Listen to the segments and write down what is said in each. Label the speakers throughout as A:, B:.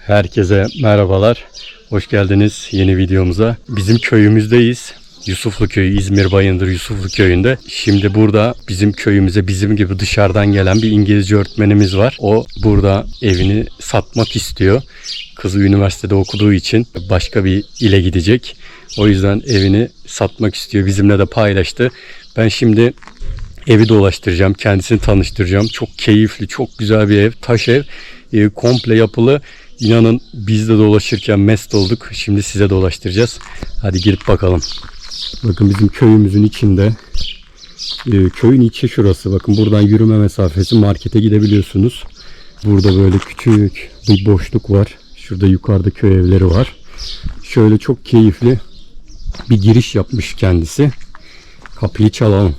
A: Herkese merhabalar. Hoş geldiniz yeni videomuza. Bizim köyümüzdeyiz. Yusuflu Köyü, İzmir Bayındır Yusuflu Köyü'nde. Şimdi burada bizim köyümüze bizim gibi dışarıdan gelen bir İngilizce öğretmenimiz var. O burada evini satmak istiyor. Kızı üniversitede okuduğu için başka bir ile gidecek. O yüzden evini satmak istiyor. Bizimle de paylaştı. Ben şimdi evi dolaştıracağım. Kendisini tanıştıracağım. Çok keyifli, çok güzel bir ev. Taş ev. Komple yapılı. İnanın biz de dolaşırken mest olduk. Şimdi size dolaştıracağız. Hadi girip bakalım. Bakın bizim köyümüzün içinde. Köyün içi şurası. Bakın buradan yürüme mesafesi, markete gidebiliyorsunuz. Burada böyle küçük bir boşluk var. Şurada yukarıda köy evleri var. Şöyle çok keyifli bir giriş yapmış kendisi. Kapıyı çalalım.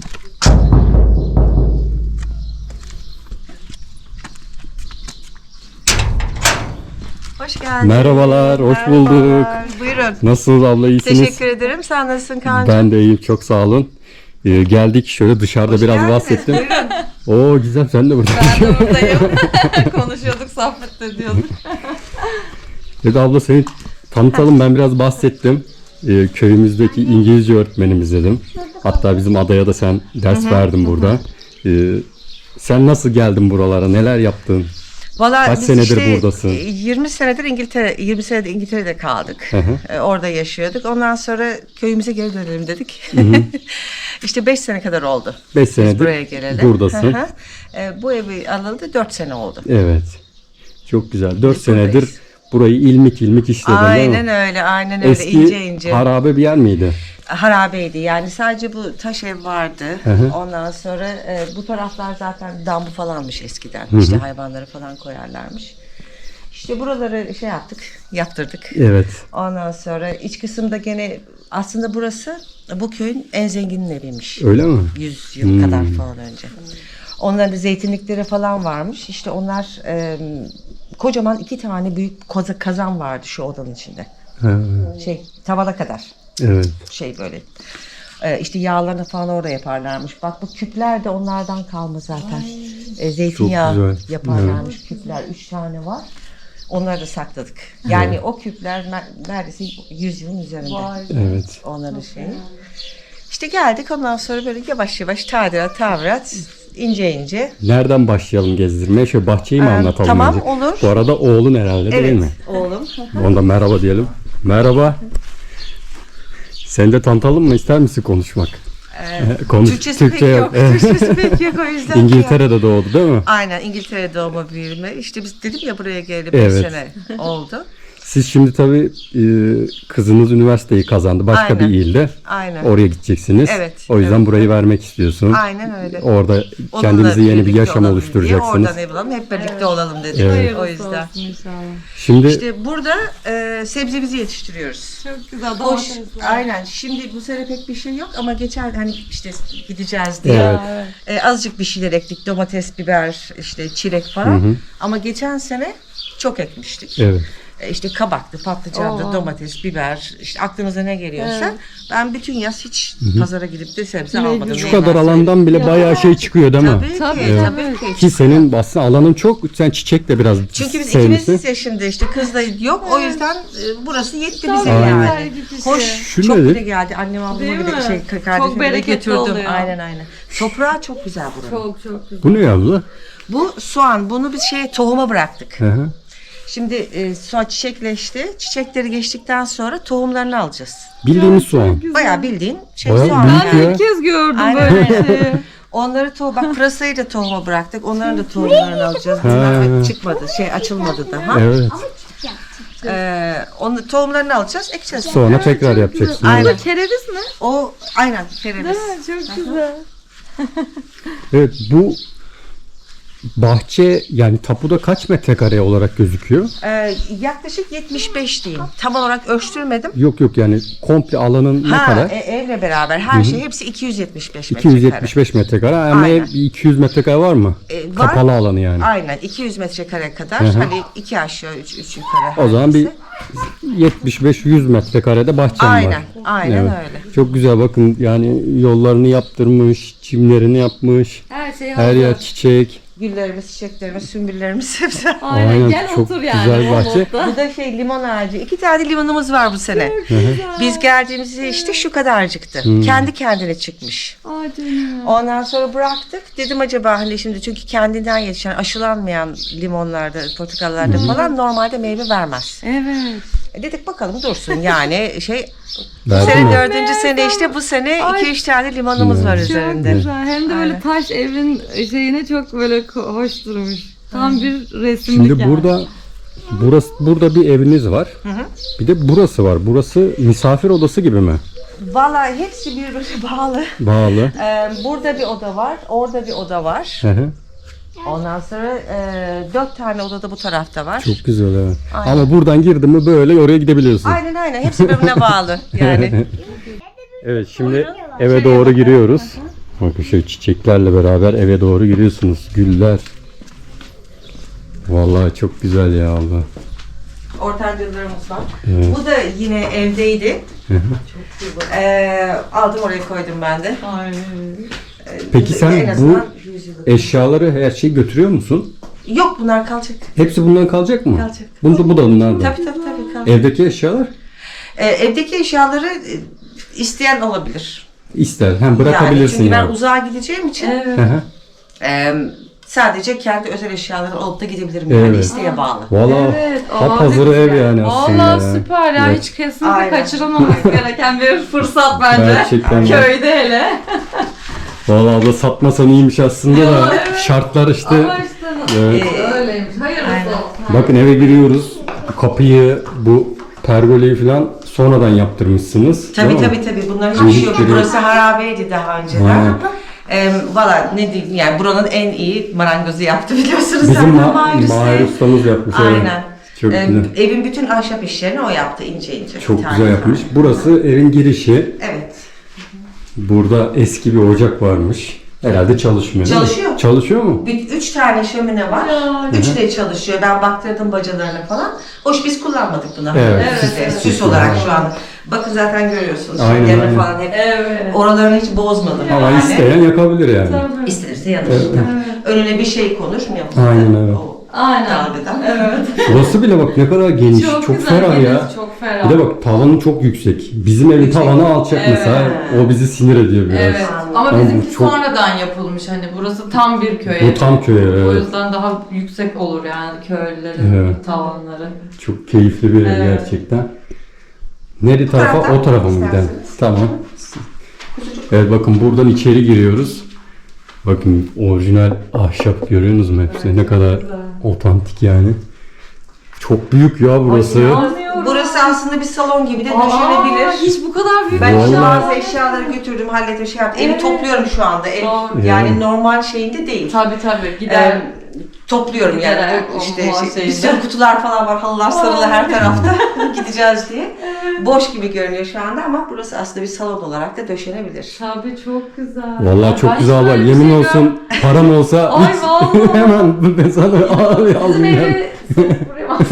B: Hoş geldin.
A: Merhabalar, hoş bulduk.
B: Buyurun.
A: Nasılsınız abla, iyisiniz?
B: Teşekkür ederim. Sen nasılsın Kaan'cığım?
A: Ben de iyiyim, çok sağ olun. Geldik şöyle dışarıda
B: Hoş
A: biraz
B: geldiniz.
A: bahsettim.
B: Buyurun.
A: Oo Gizem sen de burada.
B: Ben de buradayım. Konuşuyorduk, sohbet ediyorduk.
A: Dedi abla seni tanıtalım, ben biraz bahsettim. Köyümüzdeki İngilizce öğretmenimiz dedim. Hatta bizim adaya da sen ders verdin burada. Sen nasıl geldin buralara, neler yaptın?
B: Vallahi
A: Kaç
B: biz
A: senedir
B: işte
A: buradasın?
B: 20 senedir 20 senedir İngiltere'de kaldık. Orada yaşıyorduk. Ondan sonra köyümüze geri dönelim dedik. İşte 5 sene kadar oldu.
A: 5
B: Biz
A: senedir
B: buraya gelelim.
A: buradasın.
B: Bu evi alalı 4 sene oldu.
A: Evet. Çok güzel. 4
B: Biz
A: senedir
B: buradayız.
A: burayı ilmik ilmik işledin değil mi?
B: Aynen öyle, aynen öyle.
A: Eski
B: ince ince.
A: harabe bir yer miydi?
B: Harabeydi. Yani sadece bu taş ev vardı.
A: hı.
B: Ondan sonra bu taraflar zaten dambu falanmış eskiden. İşte hayvanları falan koyarlarmış. İşte buraları şey yaptık, yaptırdık.
A: Evet.
B: Ondan sonra iç kısımda gene aslında burası bu köyün en zenginin eviymiş.
A: Öyle mi?
B: 100 yıl kadar falan önce. Onların da zeytinlikleri falan varmış. İşte onlar kocaman 2 tane büyük kazan vardı şu odanın içinde.
A: Ha,
B: Tavana kadar.
A: evet.
B: Böyle işte yağlarını falan orada yaparlarmış. Bak bu küpler de onlardan kalma zaten. Zeytinyağı
A: Çok güzel.
B: yaparlarmış küpler. 3 tane var. Onları da sakladık. Yani o küpler neredeyse 100 yılın üzerinde.
A: Evet.
B: Onların şeyi. İşte geldik ondan sonra böyle yavaş yavaş tadilat, ince ince.
A: Nereden başlayalım gezdirmeye? Şöyle bahçeyi mi anlatalım?
B: tamam,
A: önce?
B: olur.
A: Bu arada oğlun herhalde değil mi?
B: Oğlum.
A: Onda merhaba diyelim. Merhaba. Sen de tanıtalım mı? İster misin konuşmak? Konuş.
B: Türkçesi pek yok.
A: Evet.
B: Türkçesi pek yok o yüzden.
A: İngiltere'de doğdu değil mi?
B: Aynen, İngiltere doğma büyüme. İşte biz dedim ya buraya geleli 5
A: Evet.
B: sene oldu.
A: Siz şimdi tabii kızınız üniversiteyi kazandı. Başka
B: Aynen.
A: bir ilde.
B: Aynen.
A: Oraya gideceksiniz.
B: Evet,
A: O yüzden
B: evet.
A: burayı vermek istiyorsun.
B: Aynen öyle.
A: Orada
B: Onunla
A: kendinize yeni bir
B: birlikte
A: yaşam
B: olalım
A: oluşturacaksınız.
B: diye oradan ev alalım, hep birlikte olalım dedik.
A: Evet.
B: O yüzden.
A: Şimdi
B: İşte burada sebzemizi yetiştiriyoruz.
C: Çok güzel
B: Hoş,
C: domatesler.
B: aynen. Şimdi bu sene pek bir şey yok ama geçen hani işte gideceğiz diye azıcık bir şeyler ektik. Domates, biber, işte çilek falan. Ama geçen sene çok ekmiştik.
A: evet.
B: İşte kabaktı, patlıcandı, domates, biber, işte aklınıza ne geliyorsa. Ben bütün yaz hiç pazara gidip de sebze almadım.
A: Şu kadar alandan bile bayağı şey çıkıyor değil mi?
B: Tabii ki,
C: Evet.
B: tabii ki.
A: Ki senin aslında alanın çok, sen çiçek de biraz
B: Çünkü biz
A: sevmişsin.
B: ikimiz yaşında işte kız da yok. O yüzden burası yetti bize
C: Aynen.
B: yani.
C: Güzel
B: Hoş,
A: Şu
B: çok
A: nedir?
B: bile geldi. Annem ablama
C: Değil
B: bile
C: mi?
B: kardeşime
C: Çok
B: bile
C: bereketli
B: götürdüm.
C: oluyor.
B: Aynen. Toprağı çok güzel buranın.
C: Çok güzel.
A: Bu ne abla?
B: Bu soğan. Bunu biz tohuma bıraktık.
A: Hı hı.
B: Şimdi soğan çiçekleşti. Çiçekleri geçtikten sonra tohumlarını alacağız.
A: Bildiğimiz soğan.
B: Bayağı bildiğin
A: Bayağı
B: soğan.
A: büyük
C: Ben
A: ya.
C: ilk kez gördüm
B: Aynen,
C: böyle bir
B: aynen.
C: şeyi.
B: Onları bak pırasayı da tohuma bıraktık. Onların da tohumlarını alacağız. Bunlar çıkmadı. Açılmadı daha.
A: Evet.
B: Onu tohumlarını alacağız, ekeceğiz.
A: Sonra tekrar yapacaksın.
B: Aynen.
C: Bu kereviz mi?
B: O aynen kereviz.
C: Değil mi? Çok güzel.
A: Evet, bu bahçe yani tapuda kaç metrekare olarak gözüküyor?
B: Yaklaşık 75 diyeyim. Tam olarak ölçtürmedim.
A: Yok yani komple alanın ne kadar?
B: Evle beraber her şey hepsi 275 metrekare.
A: 275 metrekare. Ama
B: Aynen.
A: ev 200 metrekare var mı?
B: Var.
A: Kapalı alanı yani.
B: Aynen 200 metrekare kadar. Hani 2 aşağı 3 yukarı.
A: O zaman bir
B: hangisi.
A: 75-100 metrekarede bahçem
B: Aynen,
A: var.
B: aynen
A: Evet.
B: öyle.
A: Çok güzel, bakın yani yollarını yaptırmış, çimlerini yapmış.
C: Her şey
A: Her yer çiçek.
B: Güllerimiz, çiçeklerimiz, sümbüllerimiz hepsi.
C: Aynen, gel
A: çok
C: otur yani.
A: güzel
C: o
A: bahçe.
C: modda.
B: Bu da limon ağacı. 2 tane limonumuz var bu sene. Biz geldiğimizde işte şu kadarcıktı. Kendi kendine çıkmış.
C: Ay canım.
B: Ondan sonra bıraktık. Dedim acaba hani şimdi çünkü kendinden yetişen aşılanmayan limonlarda, portakallarda falan normalde meyve vermez.
C: Evet.
B: Dedik bakalım dursun yani bu
A: Verdi
B: sene
A: mi?
B: 4. sene işte bu sene
C: Ay.
B: 2-3 tane limonumuz var
C: Çok
B: üzerinde.
C: güzel. Hem de böyle
B: Aynen.
C: taş evin şeyine çok böyle hoş durmuş. Tam bir resimlik
A: Şimdi
C: yani.
A: burada bir eviniz var. Bir de burası var. Burası misafir odası gibi mi?
B: Vallahi hepsi birbirine bağlı.
A: Bağlı.
B: Burada bir oda var, orada bir oda var.
A: Hı hı.
B: Ondan sonra 4 tane oda da bu tarafta var.
A: Çok güzel evet.
B: Aynen.
A: Ama buradan girdin mi böyle oraya gidebiliyorsun.
B: Aynen hepsi birbirine bağlı yani.
A: Evet şimdi eve doğru giriyoruz. Bakın şöyle çiçeklerle beraber eve doğru giriyorsunuz. Güller. Vallahi çok güzel ya Allah.
B: Ortancalarımız var.
A: Evet.
B: Bu da yine evdeydi. Aldım oraya koydum ben de.
C: Ay.
A: Peki sen
B: En
A: bu
B: azından 100 yıllık.
A: eşyaları her şeyi götürüyor musun?
B: Yok bunlar kalacak.
A: Hepsi bundan kalacak mı?
B: Kalacak.
A: Bu da bunlardan.
B: Tabii kalacak.
A: Evdeki eşyalar
B: Evdeki eşyaları isteyen olabilir.
A: ister. Hem bırakabilirsin
B: Çünkü ben
A: yani.
B: uzağa gideceğim için
C: Evet.
A: Hı hı.
B: sadece kendi özel eşyaları alıp da gidebilirim yani
A: Evet.
B: isteğe bağlı.
A: Valla
C: Evet,
A: hazır ev yani aslında.
C: Valla
A: ya.
C: süper ya.
A: Evet.
C: Hiç kesinlikle
B: Aynen.
C: kaçırılmaması gereken bir fırsat bence.
A: Gerçekten de.
C: Köyde hele.
A: Valla abla satmasan iyiymiş aslında da şartlar işte.
C: Ama işte
A: Evet.
C: öyleymiş. Hayırlısı olsun.
A: Bakın eve giriyoruz. Kapıyı, bu pergoleyi falan sonradan yaptırmışsınız.
B: Tabii
A: değil mi?
B: tabii. Bunların hiçbir şey yok.
A: Hiçbiri-
B: Burası harabeydi daha önceden.
A: Aynen.
B: Valla ne diyeyim yani buranın en iyi marangozu yaptı biliyorsunuz.
A: Bizim
B: zaten
A: Mahir ustamız yapmış. evet.
B: Aynen.
A: Çok güzel.
B: Evin bütün ahşap işlerini o yaptı ince ince.
A: Çok
B: bir tane
A: güzel yapmış. Burası evin girişi.
B: Evet.
A: Burada eski bir ocak varmış. Herhalde çalışmıyor. değil mi?
B: Çalışıyor.
A: Çalışıyor mu?
B: 3 tane şömine var.
C: Ya.
B: Üçü de çalışıyor. Ben baktırdım bacalarına falan. Hoş biz kullanmadık bunu.
A: Evet.
B: Süs olarak şu an. Bakın zaten görüyorsunuz.
A: Aynen,
B: Demir
A: aynen.
B: falan hep.
C: Evet.
B: Oralarını hiç bozmadım.
A: Ama
B: yani.
A: isteyen yakabilir yani.
C: Tabii.
B: İstenirse yanır. Önüne bir şey konur mu yapılır?
A: Aynen, evet.
B: O
C: Aynen.
B: dalgadan.
C: Evet.
A: Burası bile bak ne kadar geniş. Çok,
C: güzel,
A: ferah
C: geniş,
A: ya.
C: Çok ferah.
A: Bir de bak tavanı çok yüksek. Bizim evin tavanı alçak
C: Evet.
A: mesela. O bizi sinir ediyor biraz.
C: Evet. Ama
A: Ama
C: bizimki
A: bu çok-
C: sonradan yapılmış. Hani burası tam bir köy.
A: Bu tam köy evi,
C: O
A: evet.
C: yüzden daha yüksek olur yani köylülerin
A: Evet.
C: tavanları.
A: Çok keyifli bir ev
C: Evet.
A: gerçekten. Neri tarafa?
B: taraftan
A: O tarafa mı gidelim?
B: isterseniz.
A: Tamam. Evet bakın buradan içeri giriyoruz. Bakın orijinal ahşap görüyorsunuz mu hepsi? Ne kadar otantik yani. Çok büyük ya burası.
C: İnanmıyorum.
B: Burası aslında bir salon gibi de
C: Aa,
B: düşünebilir.
C: hiç bu kadar büyük
B: Ben işte
A: Vallahi-
B: bazı eşyaları götürdüm, hallettim, şey yaptım. Evi
C: Evet.
B: topluyorum şu anda. Ev,
C: Doğru.
B: yani
A: Evet.
B: normal şeyinde değil.
C: Tabii gider.
B: Topluyorum
C: Gider,
B: yani.
C: o
B: İşte
C: muha
B: bir
C: şeyinde.
B: sürü kutular falan var, halılar sarılı her tarafta gideceğiz diye. Boş gibi görünüyor şu anda ama burası aslında bir salon olarak da döşenebilir.
C: Tabii çok güzel.
A: Vallahi çok
C: Ben
A: güzel var.
C: şöyle bir
A: Yemin
C: şey
A: olsun param olsa
C: Ay vallahi.
A: hemen ben sana
C: Bizim
A: aldım yani.
C: evi satıp buraya mı?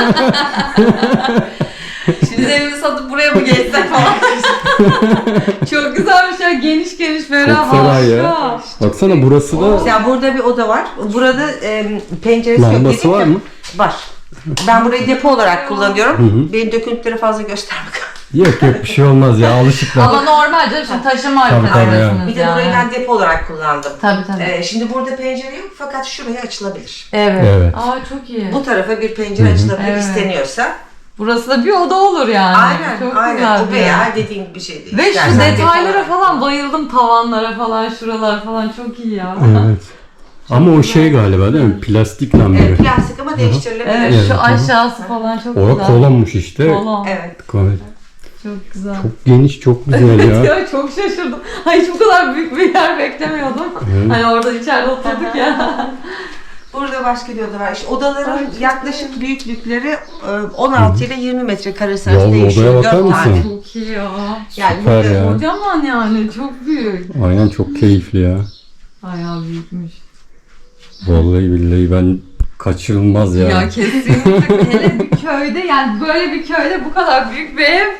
C: Bizim evimi satıp buraya mı geçsek falan. Çok güzelmiş ya. Geniş geniş ferah.
A: Çok ferah ya.
C: harika.
A: Baksana burası da
B: Mesela burada bir oda var. Burada penceresi yok.
A: lambası
B: dedim
A: var
B: ya.
A: mı?
B: Var. Ben burayı depo olarak kullanıyorum. Benim döküntüleri fazla göstermek.
A: Yok yok bir şey olmaz ya alışıklar.
C: Ama normal canım şimdi taşıma
A: Tabii, tabii
C: arkadaşınız
B: Bir de
C: yani.
B: burayı ben depo olarak kullandım.
C: Tabii.
B: Şimdi burada pencere yok fakat şuraya açılabilir.
C: Evet.
A: Evet.
C: Aa çok iyi.
B: Bu tarafa bir pencere açılabilir
C: Evet.
B: isteniyorsa.
C: Burası da bir oda olur yani.
B: Aynen,
C: Çok
B: aynen.
C: güzel
B: O
C: bir
B: veya
C: yer.
B: dediğin bir şey değil.
C: Ve şu
B: İstersen depo
C: detaylara
B: olarak
C: falan bayıldım. Tavanlara falan, şuralar falan çok iyi ya.
A: Evet. Ama o şey galiba değil mi? Plastik lamba.
B: Evet, plastik ama değiştirilebilir.
C: Evet,
A: Evet,
C: şu
A: hı hı.
C: aşağısı falan çok
A: O
C: güzel.
A: kolonmuş işte.
C: Kolon.
B: Evet.
A: Evet.
C: Çok güzel.
A: Çok geniş, çok güzel ya.
C: Ya çok şaşırdım. Hiç bu kadar büyük bir yer beklemiyordum.
A: Evet.
C: Hani orada içeride oturduk ya.
B: Burada başka bir oda var. İşte odaların yaklaşık büyüklükleri 16 ile 20 metrekare
A: Ya
B: arası
A: bu
B: değişiyor.
A: odaya bakar
B: 4
A: mısın?
B: tane.
C: Çok iyi ya.
B: Yani
A: Süper
B: burada-
A: ya.
C: Kocaman yani çok büyük.
A: Aynen çok keyifli ya.
C: Bayağı büyükmüş.
A: Vallahi billahi ben kaçırılmaz ya.
C: Ya kesinlikle hele bir köyde yani böyle bir köyde bu kadar büyük bir ev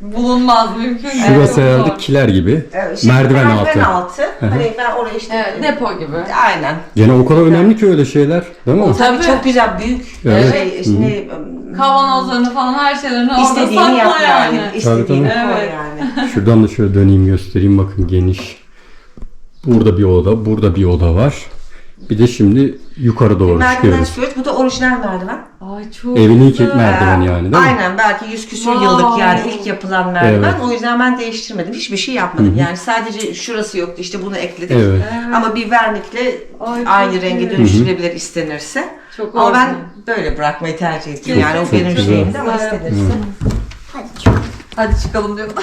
C: Bulunmaz mümkün değil.
A: Şurası
C: Çok
A: herhalde
C: zor.
A: kiler gibi.
B: Şimdi
A: merdiven
B: merdiven
A: altı.
B: altı. Hani ben oraya işte...
C: Evet, depo gibi.
B: Aynen.
A: Gene o kadar önemli ki öyle şeyler, değil mi?
B: Tabii
C: Tabii.
B: çok güzel, büyük.
A: Evet.
C: Kavanozlarını falan her şeylerini orada
B: İstediğini
C: sakla
B: yap yani.
C: yani.
B: İstediğini
A: Tabii,
B: koy
C: Evet.
B: yani.
A: Şuradan da şöyle döneyim göstereyim, bakın geniş. Burada bir oda, burada bir oda var. Bir de şimdi yukarı doğru
B: Merdiven
A: çıkıyoruz.
B: çıkıyoruz. Bu da orijinal merdiven.
C: Ay çok
A: Evin ilk
C: güzel.
A: merdiveni yani, değil mi?
B: Aynen, belki 100 küsur
C: Wow.
B: yıllık yani ilk yapılan merdiven.
A: Evet.
B: O yüzden ben değiştirmedim. Hiçbir şey yapmadım. Yani sadece şurası yoktu, işte bunu ekledik.
A: Evet.
B: Ama bir vernikle
C: Ay, çok
B: aynı renge
C: iyi.
B: dönüştürebilir istenirse.
C: Çok
B: Ama ben
C: orijinal.
B: böyle bırakmayı tercih ediyorum. Yani o
A: Çok
B: benim
A: güzel.
B: şeyimdi ama
C: Güzel.
B: istenirse.
C: Hadi çıkalım diyor.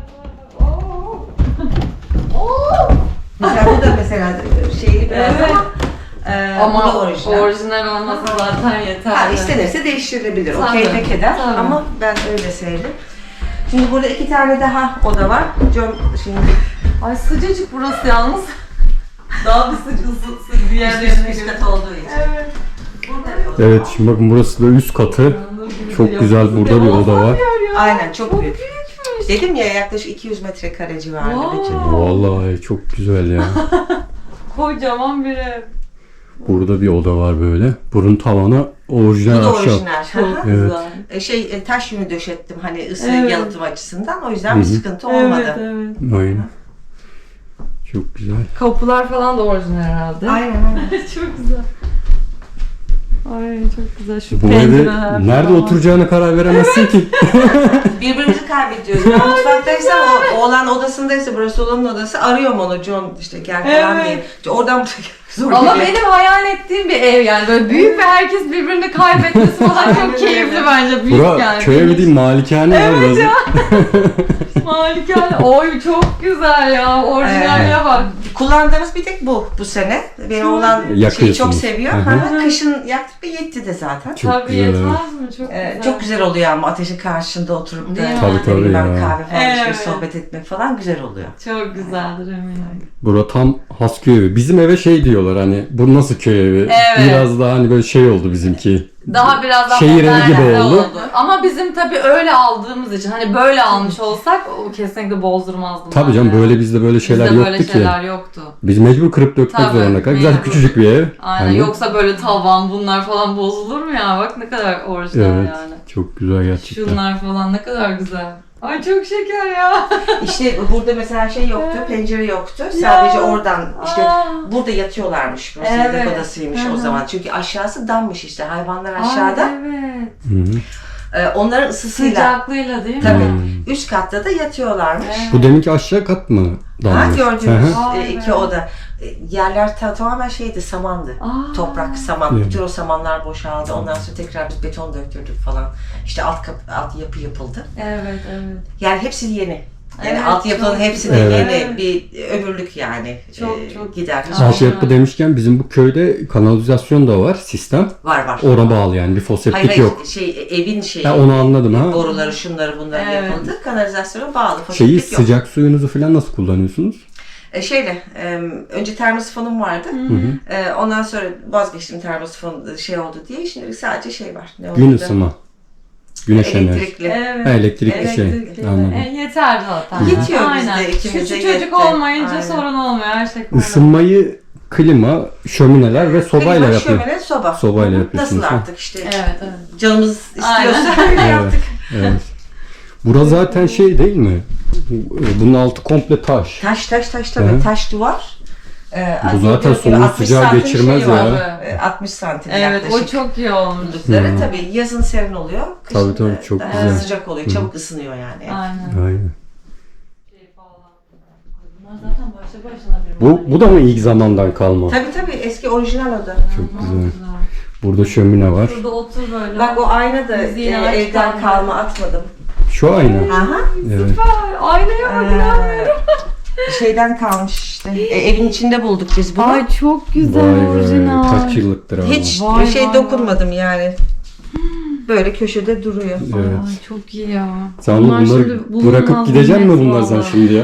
B: Mesela bu da mesela şeyli biraz
C: Evet.
B: ama bu da
C: Ama
B: orijinal.
C: orijinal olması zaten yeterli.
B: Ha, istenirse değiştirilebilir. O
C: Tabii,
B: keyfe keder
C: tabii.
B: ama ben öyle sevdim. Şimdi burada 2 tane daha oda var. Şimdi
C: Ay sıcacık burası yalnız. Daha bir sıcak diğerlerine
B: üst
C: göre.
B: kat olduğu için.
C: Evet.
B: Burada bir oda.
A: Evet, şimdi bakın burası da üst katı. Çok güzel, burada bir oda var.
B: Aynen, çok büyük. Dedim ya, yaklaşık 200 metrekare civarında
C: Wow.
B: bütün.
A: Vallahi çok güzel ya.
C: Kocaman bir ev.
A: Burada bir oda var böyle. Burun tavanı
B: Bu
A: orijinal
B: da
A: ahşap.
B: orijinal.
C: Çok
A: Evet.
C: güzel.
B: Taş yünü döşettim hani ısı
C: Evet.
B: yalıtım açısından. O yüzden bir sıkıntı olmadı.
C: Evet.
A: Aynen. Çok güzel.
C: Kapılar falan da orijinal herhalde.
B: Aynen aynen.
C: Çok güzel. Ay çok güzel. Şu
A: Bu evde
C: pencereler
A: nerede
C: falan.
A: oturacağına karar veremezsin ki.
B: Birbirimizi kaybediyoruz. Ben mutfaktaysam, o oğlan odasındaysa, burası oğlanın odası, arıyorum onu, John işte gel falan
C: Evet.
B: diye. İşte oradan zor
C: Ama
B: geliyor.
C: benim hayal ettiğim bir ev yani böyle büyük ve herkes birbirini kaybetmesi falan
B: Aynen
C: çok keyifli
B: öyle.
C: bence, büyük
A: Bura
C: yani.
A: köy evi değil, malikane ya burası.
C: Malikane. Oy çok güzel ya. Orijinaline bak.
B: Kullandığımız bir tek bu sene. Benim oğlan şeyi
A: Yakıyorsunuz.
B: çok seviyor.
A: Hı hı.
B: Ha, kışın yaktık ve yetti de zaten.
A: Çok
C: Tabii
A: güzel,
C: yetmez
A: evet.
C: mi? Çok güzel.
B: Çok güzel oluyor ama ateşin karşısında oturup da
C: Değil mi?
A: Tabii,
B: ne bileyim ben,
A: ya.
B: kahve falan içmek,
C: Evet.
B: sohbet etmek falan güzel oluyor.
C: Çok güzeldir eminim.
A: Bura tam has köy evi. Bizim eve şey diyorlar, hani bu nasıl köy evi?
C: Evet.
A: Biraz daha hani böyle şey oldu bizimki.
C: Daha biraz daha
A: Şehir evi gibi
C: modern
A: oldu.
C: Ama bizim tabii öyle aldığımız için hani böyle almış olsak o kesinlikle bozdurmazdım.
A: Tabii
C: ben
A: canım,
C: ya.
A: böyle bizde böyle şeyler
C: Bizde
A: yoktu
C: böyle
A: ki.
C: şeyler yoktu.
A: Biz mecbur kırıp dökmek
C: Tabii,
A: zorunda kaldık. Güzel
C: mecbur.
A: küçücük bir ev.
C: Aynen.
A: Hani-
C: Yoksa böyle tavan bunlar falan bozulur mu ya? Bak ne kadar orijinal
A: Evet.
C: yani.
A: Çok güzel gerçekten.
C: Şunlar falan ne kadar güzel. Ay çok şeker ya.
B: İşte burada mesela şey yoktu, pencere yoktu. Sadece oradan işte
C: Aa.
B: burada yatıyorlarmış. Burası
C: Evet.
B: yatak odasıymış
C: Hı
B: o
C: hı.
B: zaman. Çünkü aşağısı dammış işte, hayvanlar
C: Ay,
B: aşağıda.
C: evet.
A: Hı-hı.
B: Onların ısısıyla.
C: Sıcaklığıyla değil mi?
B: Tabii.
A: Hmm.
B: Üst katta da yatıyorlarmış.
C: Evet.
A: Bu deminki aşağı kat mı?
B: Ha,
A: Damlış?
B: gördüğünüz
A: Hı hı.
C: Aa,
B: iki
C: evet.
B: oda. Yerler tamamen şeydi, samandı.
C: Aa.
B: Toprak, saman.
A: Evet.
B: Bütün o samanlar boşaldı. Ondan sonra tekrar biz beton döktürdük falan. İşte alt yapı yapıldı.
C: Evet evet.
B: Yani hepsi yeni. Yani
C: Evet,
B: altyapının
C: çok
B: hepsi de
A: güzel.
B: yeni,
C: Evet.
B: bir ömürlük yani.
C: Çok
B: gider.
C: Aynen.
A: Altyapı demişken bizim bu köyde kanalizasyon da var, sistem.
B: Var.
A: Ona bağlı yani, bir foseptik
B: Hayır,
A: yok.
B: evin şeyi.
A: Ha, onu anladım ha.
B: Boruları, şunları, bunları
C: Evet.
B: yapıldı. Kanalizasyona bağlı.
A: Şeyi,
B: Foseptik yok.
A: sıcak suyunuzu falan nasıl kullanıyorsunuz?
B: Önce termosifonum vardı. Ondan sonra vazgeçtim, termosifon şey oldu diye. Şimdi sadece şey var. Ne
A: Gün
B: oldu?
A: ısıma. Güneş enerjisi.
B: Elektrikli.
C: Evet.
A: Ha, elektrikli şey.
C: Elektrikli.
A: Anladım.
C: Yeter zaten.
B: Yetiyor
C: Aynen.
B: bizde, ikimize
C: Küçük
B: yetti.
C: çocuk olmayınca
B: Aynen.
C: sorun olmuyor. Her şey kolay.
A: Isınmayı klima, şömineler ve sobayla
B: Klima,
A: yapıyor.
B: şömine, soba.
A: Sobayla
B: Hı hı.
A: yapıyorsunuz,
B: Nasıl
A: ha?
B: artık işte
C: Evet evet.
B: canımız istiyorsa
C: Aynen.
B: öyle
A: Evet,
B: yaptık.
A: evet. Bura zaten şey değil mi? Bunun altı komple taş.
B: Taş tabii.
A: Hı.
B: Taş duvar.
A: Bu zaten
B: gördüğünüz gibi
A: soğuk
B: 60
A: sıcağı
B: santim
A: geçirmez
B: şey var.
A: ya.
B: 60 santim
C: Evet
B: yaklaşık.
C: o çok iyi olmuş.
B: Dudukları tabii yazın serin oluyor. Kışın
A: Tabii,
B: da
A: çok
B: daha
A: güzel.
B: sıcak oluyor. Çabuk ısınıyor yani.
C: Aynen.
A: Aynen.
C: Bunlar zaten başlı başına bir
A: Bu da mı ilk zamandan kalma?
B: Tabii eski orijinal oda.
A: Çok güzel. Burada şömine var.
C: Burada otur böyle.
B: Bak o ayna da
C: Müziğini
B: evden
C: açtan
B: kalma, atmadım.
A: Şu ayna.
B: Aha.
A: Evet.
C: Aynaya bak inanmıyorum.
B: Şeyden kalmış işte. Evin içinde bulduk biz bunu.
C: Ay çok güzel
A: Vay be.
C: orijinal.
A: Kaç yıllıktır abi.
B: Hiç
C: Vay,
B: şey
C: vay,
B: dokunmadım yani. böyle köşede duruyor.
A: Evet.
C: Ay, çok iyi ya.
A: Sen
C: Bunlar
A: bunları
C: şimdi bulunmaz
A: bırakıp gideceksin mi
C: nimet
A: bunlar sen
C: vallahi.
A: şimdi ya?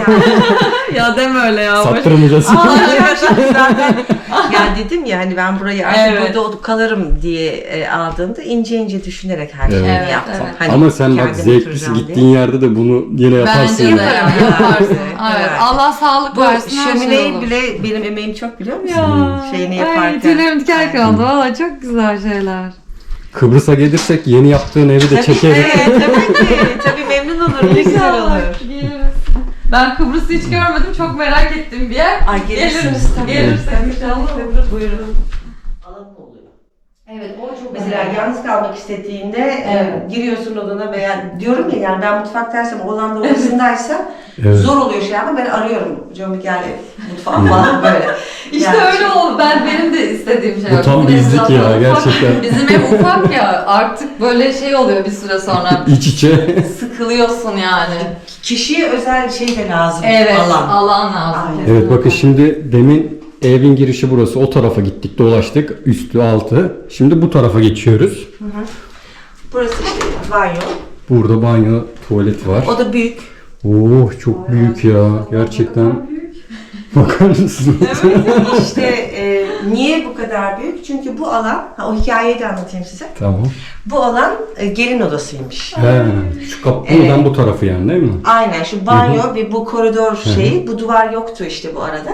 C: Ya deme öyle ya.
A: Sattırmayacağız.
B: Zaten ya dedim ya hani ben burayı artık
C: Evet.
B: burada kalırım diye aldığımda ince ince düşünerek her şeyi
A: Evet.
B: yaptım.
C: Evet.
B: Hani
A: Ama sen bak
B: kendim
A: zevklisi
B: oturacağım
A: gittiğin yerde de bunu yine yaparsın.
C: Bence de
A: ya.
C: yaparsın. Evet.
B: Evet.
C: Allah sağlık
B: Bu
C: versin. her şey
B: şömineyi
C: olur.
B: bile benim emeğim çok biliyor musun?
C: Ya.
B: Şeyini
C: Ay
B: yaparken.
C: tüylerim diken oldu. Valla çok güzel şeyler.
A: Kıbrıs'a gelirsek yeni yaptığın evi de çekeriz.
B: Evet tabii ki. Tabii memnun olurum. Ne güzel olur.
C: Geliriz. Ben Kıbrıs'ı hiç görmedim. Çok merak ettiğim bir yer.
B: Ay gelirsiniz tabii.
C: Gelirsek
B: Tabii,
C: inşallah.
B: tabii. Buyurun. Alanı oluyor.
C: Evet o çok
B: Mesela yalnız kalmak istediğinde giriyorsun odana veya diyorum ya yani ben mutfaktaysam oğlan da odasındaysa
A: Evet.
B: zor oluyor şey ama ben arıyorum. Canım gel mutfağa falan böyle.
C: İşte
B: Yani
C: öyle oldu. Benim de istediğim şey.
A: Bu tam
C: Bizim ev
A: bizlik ya,
C: zaten ufak.
A: gerçekten.
C: Bizim ev ufak ya. Artık böyle şey oluyor bir süre sonra.
A: İç içe.
C: Sıkılıyorsun yani.
B: kişiye özel şey de lazım.
C: Evet.
B: Alan.
C: Alan lazım.
B: Aynen.
A: Evet bakın şimdi demin evin girişi burası. O tarafa gittik dolaştık. Üstü altı. Şimdi bu tarafa geçiyoruz.
B: Burası işte banyo.
A: Burada banyo, tuvalet var.
B: O da büyük.
A: Oh çok büyük ya. Gerçekten. Bakar mısın?
B: İşte niye bu kadar büyük? Çünkü bu alan, o hikayeyi de anlatayım size.
A: Tamam.
B: Bu alan gelin odasıymış.
A: He, şu kapı buradan bu tarafı yani değil mi?
B: Aynen şu banyo ve bu koridor şeyi, bu duvar yoktu işte bu arada.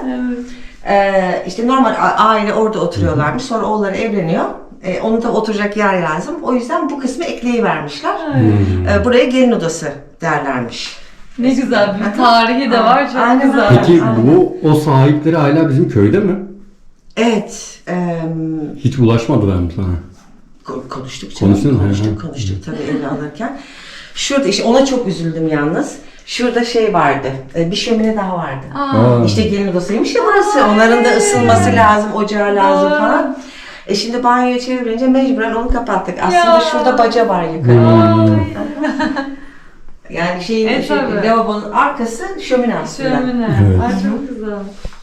B: İşte normal aile orada oturuyorlarmış. Sonra oğulları evleniyor. Onun da oturacak yer lazım. O yüzden bu kısmı ekleyivermişler. Buraya gelin odası derlermiş.
C: Ne güzel bir tarihi de var. Çok
B: Aynen.
C: güzel.
A: Peki
B: Aynen.
A: bu o sahipleri hala bizim köyde mi?
B: Evet.
A: Hiç ulaşmadılar mı sana?
B: Konuştuk canım.
A: Konuştun mu?
B: Konuştuk tabii evini alırken. Şurada işte ona çok üzüldüm yalnız. Şurada şey vardı. Bir şömine daha vardı.
A: Aa.
B: İşte gelin odasıymış ya burası. Onların da ısınması lazım, ocağı lazım
C: Doğru.
B: falan. Şimdi banyoya çevirince mecburen onu kapattık. Aslında şurada baca var yukarı. Yani şeyin,
C: tabii.
B: lavabonun arkası şömine aslında.
C: Şömine.
A: Evet.
C: Ay çok güzel.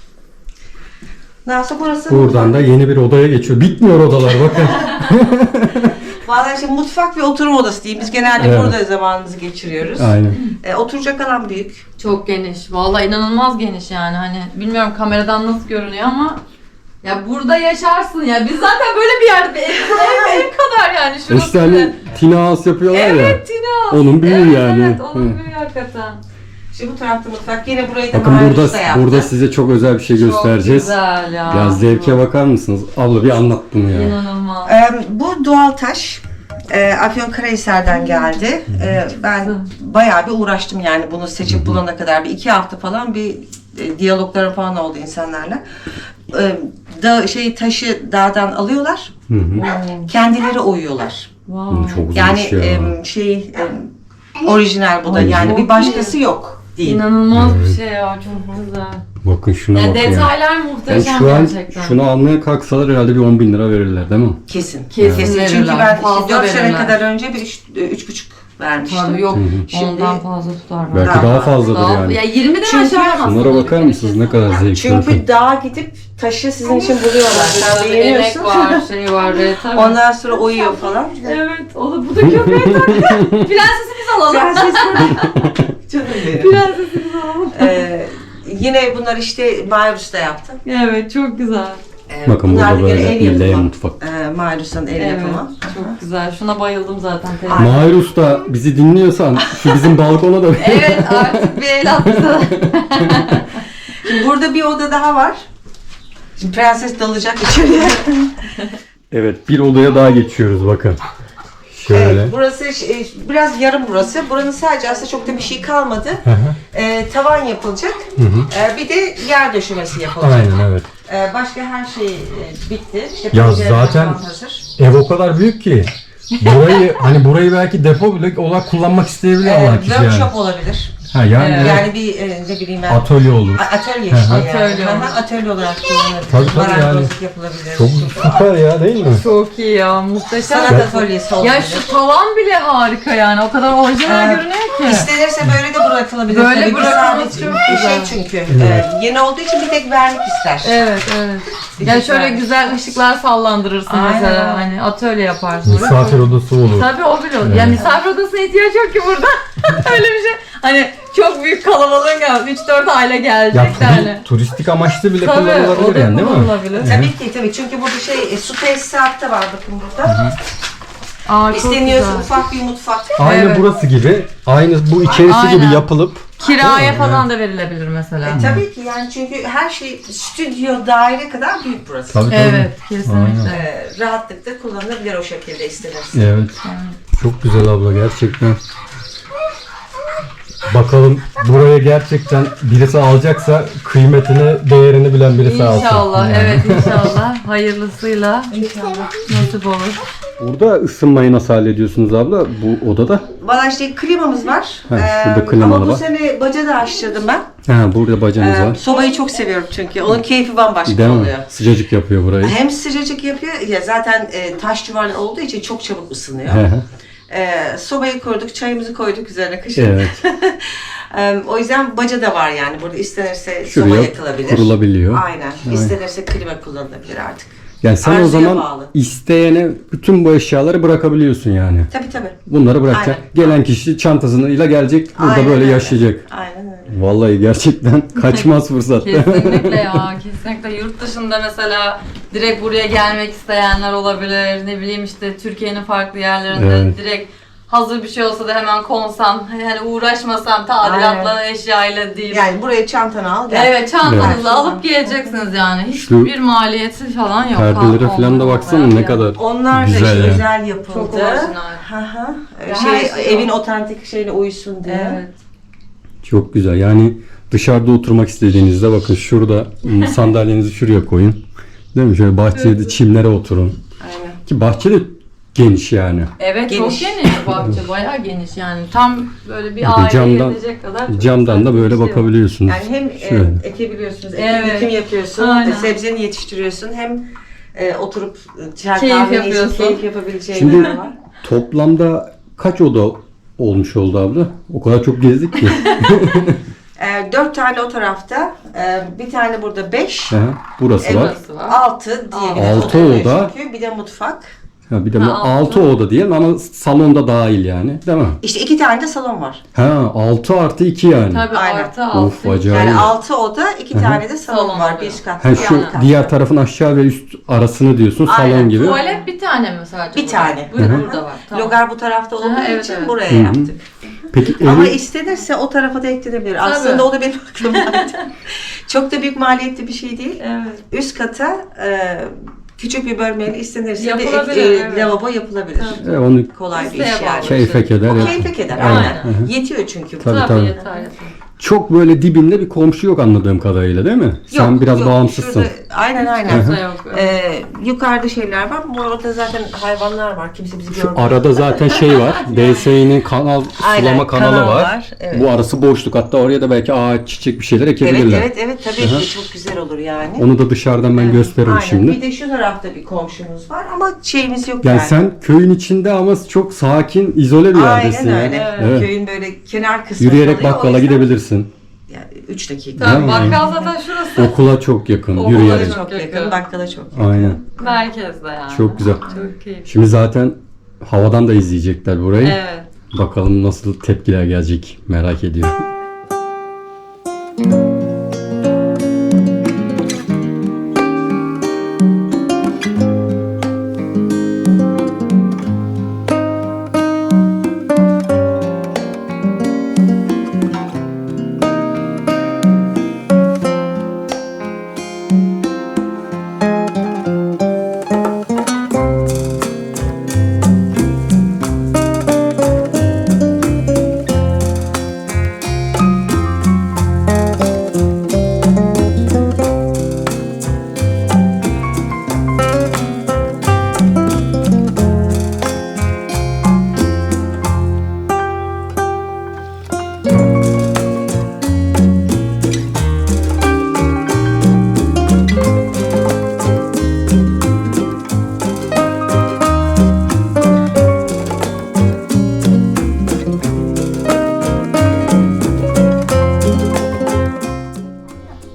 B: Nasıl burası?
A: Buradan da yeni bir odaya geçiyor. Bitmiyor odalar bakın.
B: Vallahi işte mutfak ve oturma odası diyeyim. Biz genelde
A: Evet.
B: burada zamanımızı geçiriyoruz.
A: Aynen.
B: Oturacak alan büyük.
C: Çok geniş. Vallahi inanılmaz geniş yani. Hani bilmiyorum kameradan nasıl görünüyor ama ya burada yaşarsın ya. Biz zaten böyle bir yerde ev kadar yani şurası.
A: İşte hani Tina House yapıyorlar ya.
C: Evet Tina.
A: Onun büyüğü yani.
C: Evet onun
A: Hı.
C: büyüğü hakikaten.
B: Şimdi bu tarafta mutfak. Yine burayı da
A: Bakın
B: Mahir
A: burada
B: Usta yaptı.
A: burada size çok özel bir şey göstereceğiz.
C: Çok güzel ya.
A: Ya zevke bakar mısınız? Abla bir anlat bunu ya.
C: İnanılmaz.
B: Bu doğal taş. Afyonkarahisar'dan geldi. Ben bayağı bir uğraştım yani bunu seçip bulana kadar. Bir 2 hafta falan bir diyaloglarım falan oldu insanlarla. Taşı dağdan alıyorlar.
A: Hı hı.
B: Kendileri oyuyorlar.
C: Wow.
A: Çok
B: Yani
A: güzelmiş ya.
B: orijinal bu da. Yani
C: çok
B: bir başkası yok değil.
C: İnanılmaz bir şey ya. Çok güzel.
A: Bakın şuna
C: Ya
A: bakın ya.
C: detaylar
A: Yani
C: muhteşem
A: şu an
C: gerçekten.
A: şunu almaya kalksalar herhalde bir 10.000 lira verirler değil mi?
B: Kesin.
C: Kesin
B: Çünkü
C: verirler,
B: ben
C: fazla
B: 4 sene
C: verirler.
B: kadar önce bir 3,5 vermiştim.
C: Tabii yok.
B: Şimdi-
C: Ondan fazla tutar.
A: Belki
B: Daha
A: daha fazladır
C: Daha,
A: yani.
C: ya 20'den
B: Çünkü-
C: aşağı yapmaz.
A: Şunlara bakar mısınız ne kadar zevkli.
B: Çünkü dağa gidip taşı sizin için buluyorlar. Sen
C: Emek
B: beğeniyorsun.
C: var, şey var. Tabii.
B: Ondan sonra uyuyor falan.
C: Evet, o da bu da köpeğe taktı. Prensesimiz alalım.
B: Prenses Canım benim.
C: Prensesimiz alalım.
B: Yine bunlar işte Mahir Usta yaptı.
C: Evet, çok güzel.
A: Bakın
B: Bunlar
A: burada
B: bir
A: böyle
B: el
A: bir L
B: yapımı.
A: mutfak.
B: Mahir Usta'nın el
C: Evet,
B: yapımı.
C: çok güzel. Şuna bayıldım zaten.
A: Mahir Usta bizi dinliyorsan şu bizim balkona da
C: Evet, artık bir el attı.
B: Şimdi burada bir oda daha var. Şimdi prenses dalacak içeriye.
A: Evet bir odaya daha geçiyoruz bakın. Şöyle.
B: Evet, burası biraz yarım burası. Buranın sadece aslında çok da bir şey kalmadı. Tavan yapılacak. Bir de yer döşemesi yapılacak.
A: Aynen evet.
B: Başka her şey bitti. İşte
A: Ya
B: pencereler
A: zaten-
B: falan hazır.
A: Ev o kadar büyük ki burayı belki depo bile olarak kullanmak isteyebilir Allah kişi yani.
B: Workshop olabilir.
A: Ha yani,
C: Evet.
B: Yani bir ne bileyim ben.
A: atölye olur.
B: Atölye işte yani.
C: Atölye olur.
B: Atölye olarak kullanılabilir.
A: Tabii yani.
B: Marangozluk yapılabilir.
A: Çok süper ya değil mi?
C: Çok iyi ya, muhteşem.
B: Sanat atölyesi olabilir.
C: Ya şu tavan bile harika yani. O kadar orijinal görünüyor ki.
B: İstenirse böyle de bırakılabilir.
C: Böyle
B: Tabii ki
C: bırakılması
B: sadece-
C: çok
B: bir
C: güzel.
B: şey çünkü. Yeni olduğu için bir tek vernik ister.
C: Evet, evet. Yani şöyle güzel ışıklar sallandırırsın
B: Aynen.
C: mesela. Hani atölye yaparsın.
A: Misafir odası olur.
C: Tabii o bile olur. Yani misafir odasına ihtiyaç yok ki burada. Öyle bir şey. Hani çok büyük kalabalığın geldi. 3-4 aile gelecek de hani.
A: turistik amaçlı bile
C: Tabii o
A: kullanılabilir
C: da
A: yani değil mi?
C: kullanılabilir.
B: Tabii çünkü burada su tesisatı da var bakın burada.
C: Aa, çok
B: İsteniyorsa
C: güzel.
B: ufak bir mutfak.
A: Aynı
C: Evet.
A: burası gibi, aynı bu içerisi
C: Aynen.
A: gibi yapılıp
C: Kiraya falan da verilebilir mesela.
B: Tabii ki yani çünkü her şey stüdyo daire kadar büyük burası.
A: tabii.
C: Evet, kesinlikle.
B: Rahatlıkla kullanılabilir o şekilde istenirse.
A: Evet. Çok güzel abla gerçekten. Bakalım buraya gerçekten birisi alacaksa kıymetini, değerini bilen birisi alsın.
C: İnşallah, evet inşallah. Hayırlısıyla. İnşallah. Nasip olur.
A: Burada ısınmayı nasıl hallediyorsunuz abla bu odada?
B: Valla işte klimamız var.
A: şurada klimalı
B: ama bu
A: var.
B: sene baca da açtırdım ben.
A: Ha, burada bacanız var.
B: Sobayı çok seviyorum çünkü. Onun keyfi bambaşka
A: Değil mi?
B: oluyor.
A: Sıcacık yapıyor burayı.
B: Hem sıcacık yapıyor ya zaten taş duvarlı olduğu için çok çabuk ısınıyor.
A: Hı hı.
B: Sobayı kurduk, çayımızı koyduk üzerine kışın.
A: Evet.
B: O yüzden baca da var yani. Burada istenirse soba
A: Şuraya
B: yakılabilir.
A: kurulabiliyor.
B: Aynen. İstenirse klima kullanılabilir artık.
A: Yani sen o
B: Arzuya
A: zaman
B: bağlı.
A: isteyene bütün bu eşyaları bırakabiliyorsun yani.
B: Tabii.
A: Bunları bırakacaksın.
B: Aynen.
A: Gelen kişi çantasıyla gelecek, burada
B: Aynen
A: böyle
B: öyle.
A: yaşayacak.
B: Aynen öyle.
A: Vallahi gerçekten kaçmaz fırsat.
C: Kesinlikle ya, kesinlikle. Yurt dışında mesela direkt buraya gelmek isteyenler olabilir. Ne bileyim işte Türkiye'nin farklı yerlerinde
A: Evet.
C: direkt hazır bir şey olsa da hemen konsam, hani uğraşmasam tadilatla eşyayla değil.
B: Yani buraya çantanı al gel.
C: Evet, çantanızı
B: Evet.
C: alıp geleceksiniz yani.
A: Şu
C: Hiçbir maliyeti falan yok.
A: Perdelere
C: Ha,
A: falan da
C: olmaz
A: baksana
C: olmaz
A: ne
C: ya.
A: kadar
B: Onlar da
A: güzel
B: işte
A: ya.
B: özel yapıldı.
C: Çok orijinal.
B: Hı.
C: Ya her şey
B: Evin
C: o.
B: otantik şeyle uysun diye.
C: Evet.
A: Çok güzel. Yani dışarıda oturmak istediğinizde bakın şurada sandalyenizi şuraya koyun. Değil mi? Şöyle bahçede çimlere oturun.
B: Aynen.
A: Ki bahçe de geniş yani.
C: Evet,
B: Geniş.
C: çok geniş bahçe, bayağı geniş yani. Tam böyle bir
A: de
C: aile
A: camdan-
C: gezecek kadar. çok
A: Camdan da
C: güzel
A: böyle
C: bir şey var.
A: bakabiliyorsunuz.
B: Yani hem
A: Şöyle.
B: ekebiliyorsunuz,
C: Evet.
B: ekim yapıyorsun,
C: Aynen.
B: sebzeni yetiştiriyorsun, hem oturup çay
C: Keyif
B: kahve içip
C: yapıyorsun.
B: keyif yapabileceğin
A: Şimdi-
B: yer var.
A: Toplamda kaç oda olmuş oldu abla? O kadar çok gezdik ki.
B: 4 tane o tarafta, bir tane burada 5,
A: Hı hı. Burası var.
C: Burası var.
B: 6 diyebiliriz.
A: Altı
B: Oturmuyor
A: oda.
B: Çünkü bir de mutfak.
A: Ha, bir de
C: Ha,
A: 6 oda diyelim ama salonda dahil yani. Değil mi?
B: İşte 2 tane de salon var.
A: Ha, 6 artı 2 yani.
C: Tabii
B: Aynen.
C: artı
A: Of,
C: altı.
A: acayip.
B: Yani 6 oda, 2 tane de salon
C: Salon
B: var.
C: oluyor.
B: Bir katlı,
A: Ha,
B: bir
A: şu
B: alt katlı.
A: diğer tarafın aşağı ve üst arasını diyorsun
B: Aynen.
A: salon gibi.
C: Tuvalet bir tane mi sadece?
B: Bir tane.
C: Burada var. Tamam.
B: Logar bu tarafta olduğu
C: Aha, evet,
B: için
C: evet.
B: buraya
A: Hı hı.
B: yaptık.
A: Peki
B: Ama
A: evi
B: istenirse o tarafa da eklenebilir. Aslında o da benim aklımdaydı. Çok da büyük maliyetli bir şey değil.
C: Evet.
B: Üst kata küçük bir bölmeyle istenirse bir
C: Yapılabilir, evet.
B: lavabo yapılabilir.
A: onu
B: Kolay bir
C: İsteğe
B: iş yani.
C: bağlı.
A: keyfe keder.
B: O
A: yap-
B: keyfe keder.
C: Aynen.
B: Aynen. Yetiyor çünkü bu.
A: Tabii,
C: Tabii,
A: tabii.
C: yeter yeter.
A: Çok böyle dibinde bir komşu yok anladığım kadarıyla değil mi? Sen
B: Yok,
A: biraz
B: yok.
A: bağımsızsın.
B: Şurada, aynen.
C: Kimse yok.
B: Yukarıda şeyler var. Orada zaten hayvanlar var. Kimse bizi
A: Şu
B: görmüyor.
A: arada zaten şey var. DSİ'nin kanal
B: Aynen,
A: sulama kanalı
B: kanal
A: var.
B: var, evet.
A: Bu arası boşluk. Hatta oraya da belki ağaç, çiçek bir şeyler ekebilirler.
B: Evet tabii ki çok güzel olur yani.
A: Onu da dışarıdan ben gösteririm
B: Aynen.
A: şimdi.
B: Bir de şu tarafta bir komşumuz var ama şeyimiz yok
A: Yani
B: yani.
A: sen köyün içinde ama çok sakin, izole bir yerdesin
B: Aynen
A: yani.
B: öyle.
A: Evet.
B: Köyün böyle kenar kısmı
A: Yürüyerek
B: kalıyor. O
A: bakkala
B: yüzden-
A: gidebilirsin.
B: Yani 3 dakika.
C: Tabii
A: Değil mi?
C: bakkal zaten şurası.
A: Okula çok yakın,
C: Okula
A: yürüyerek.
B: Çok yakın,
C: yakın.
B: bakkala çok yakın.
A: Aynen.
C: Merkezde yani.
A: Çok güzel.
C: Çok keyifli.
A: Şimdi zaten havadan da izleyecekler burayı.
C: Evet.
A: Bakalım nasıl tepkiler gelecek merak ediyorum.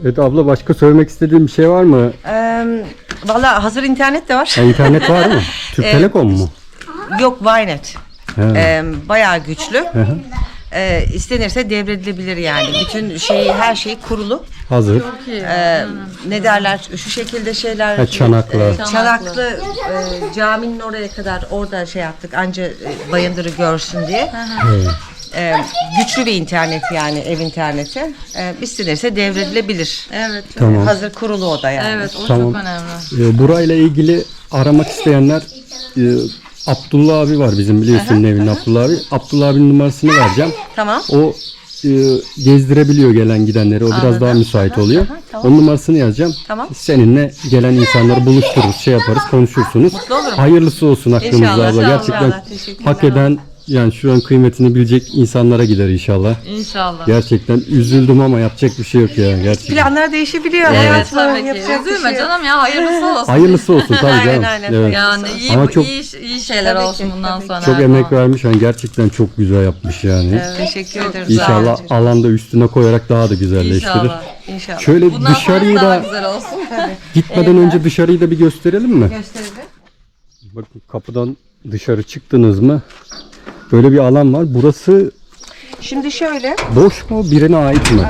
A: Evet abla, başka söylemek istediğin bir şey var mı?
B: Valla hazır internet de var.
A: Ha, internet var mı? Türk Telekom mu?
B: Yok, Ynet.
A: He.
B: Bayağı güçlü. İstenirse devredilebilir yani. Bütün her şey kurulu.
A: Hazır.
B: Ne derler? Şu şekilde şeyler.
A: Ha, çanaklı.
B: Çanaklı caminin oraya kadar orada şey yaptık. Anca Bayındır'ı görsün diye. Güçlü bir internet yani, ev interneti. İstenirse devredilebilir.
C: Evet.
A: Tamam.
B: Hazır kurulu o da yani.
C: Evet, o
A: Tamam.
C: çok önemli.
A: Burayla ilgili aramak isteyenler, Abdullah abi var bizim, biliyorsun evin Abdullah abi. Abdullah abinin numarasını vereceğim.
B: Tamam.
A: O gezdirebiliyor gelen gidenleri. O biraz daha müsait oluyor.
B: tamam.
A: Onun numarasını yazacağım.
B: Tamam.
A: Seninle gelen insanları buluştururuz, şey yaparız, konuşursunuz.
B: Mutlu olurum.
A: Hayırlısı olsun aklınızda
B: İnşallah,
A: abla.
B: sağ ol,
A: Gerçekten
B: inşallah. Teşekkürler.
A: hak eden, yani şu an kıymetini bilecek insanlara gider inşallah.
C: İnşallah.
A: Gerçekten üzüldüm ama yapacak bir şey yok ya gerçekten.
B: Planlar değişebiliyor.
C: Evet,
B: Hayatım,
C: tabii ki.
B: yapacak bir
C: Üzülme
B: şey yok.
C: canım ya, hayırlısı olsun.
A: Hayırlısı olsun tabii
B: Aynen,
A: canım.
B: aynen.
A: Evet.
C: Yani
A: Ama çok-
C: iyi şeyler
B: Tabii
C: olsun
B: ki,
C: bundan
B: tabii ki.
C: sonra.
A: Çok emek vermiş, yani gerçekten çok güzel yapmış yani.
B: Teşekkür ederim.
A: İnşallah
B: Sağ olun.
A: alanda üstüne koyarak daha da güzelleştirir.
C: İnşallah.
B: İnşallah.
A: Şöyle
C: Bundan
A: dışarıyı
C: sonra daha
A: da
C: güzel olsun.
A: gitmeden önce dışarıyı da bir gösterelim mi?
B: Gösterelim.
A: Bakın, kapıdan dışarı çıktınız mı? Böyle bir alan var. Burası
B: Şimdi şöyle,
A: boş mu? Birine ait mi?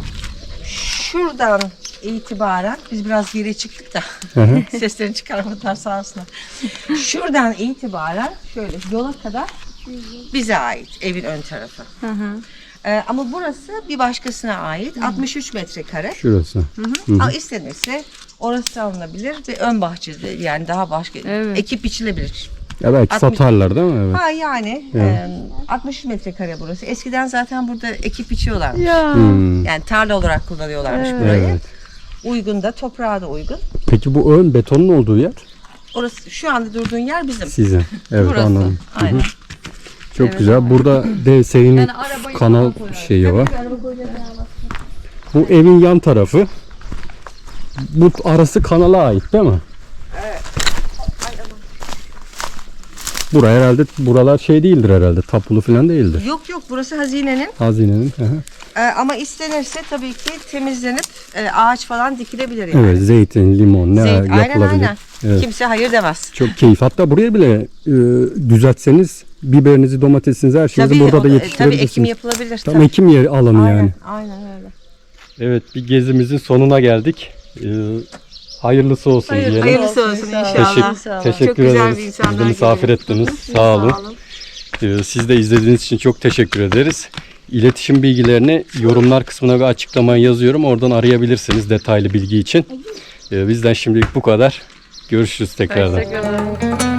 B: şuradan itibaren biz biraz geri çıktık da
A: Hı hı.
B: seslerini çıkarmadılar sağ olsunlar. Şuradan itibaren şöyle yola kadar bize ait, evin ön tarafı. Ama burası bir başkasına ait. 63 metrekare.
A: Şurası.
B: Ama istenirse orası alınabilir ve ön bahçede, yani daha başka ekip biçilebilir.
A: Ya belki
B: 60
A: satarlar değil mi? Evet.
B: Ha yani 60 metrekare burası. Eskiden zaten burada ekip biçiyorlar. Yani tarla olarak kullanıyorlarmış burayı.
A: Evet.
B: Uygun da, toprağa da uygun.
A: Peki bu ön betonun olduğu yer
B: Orası, şu anda durduğun yer bizim.
A: sizin. Evet,
C: Burası.
A: anladım.
B: Aynen.
A: Çok güzel. Burada dev serinlik
C: Yani arabayı
A: kanal
C: falan
A: şeyi var. Bu evin yan tarafı. Bu arası kanala ait değil mi? Buraya herhalde, buralar şey değildir herhalde. Tapulu falan değildir.
B: Yok yok, burası hazinenin.
A: Hazinenin. Hı hı.
B: Ama istenirse tabii ki temizlenip ağaç falan dikilebilir yani.
A: Evet, zeytin, limon ne
B: Aynen
A: yapılabilir.
B: aynen.
A: Evet.
B: Kimse hayır demez.
A: Çok keyif. Hatta buraya bile düzeltseniz biberinizi, domatesinizi, her şeyinizi burada da
B: tabii
A: yetiştirebilirsiniz.
B: ekim yapılabilir.
A: Tam
B: tabii.
A: ekim yeri alanı
B: Aynen,
A: yani.
B: aynen öyle.
A: Evet, bir gezimizin sonuna geldik. Hayırlısı olsun diyelim.
B: Hayırlısı olsun inşallah.
A: Teşekkür
B: Çok güzel
A: ederiz.
B: bir insanlar
A: Bizi misafir
B: geliyor.
A: ettiniz. Sağ olun. Siz de izlediğiniz için çok teşekkür ederiz. İletişim bilgilerini yorumlar kısmına bir açıklamaya yazıyorum. Oradan arayabilirsiniz detaylı bilgi için. Bizden şimdilik bu kadar. Görüşürüz tekrardan.
C: Teşekkür ederim.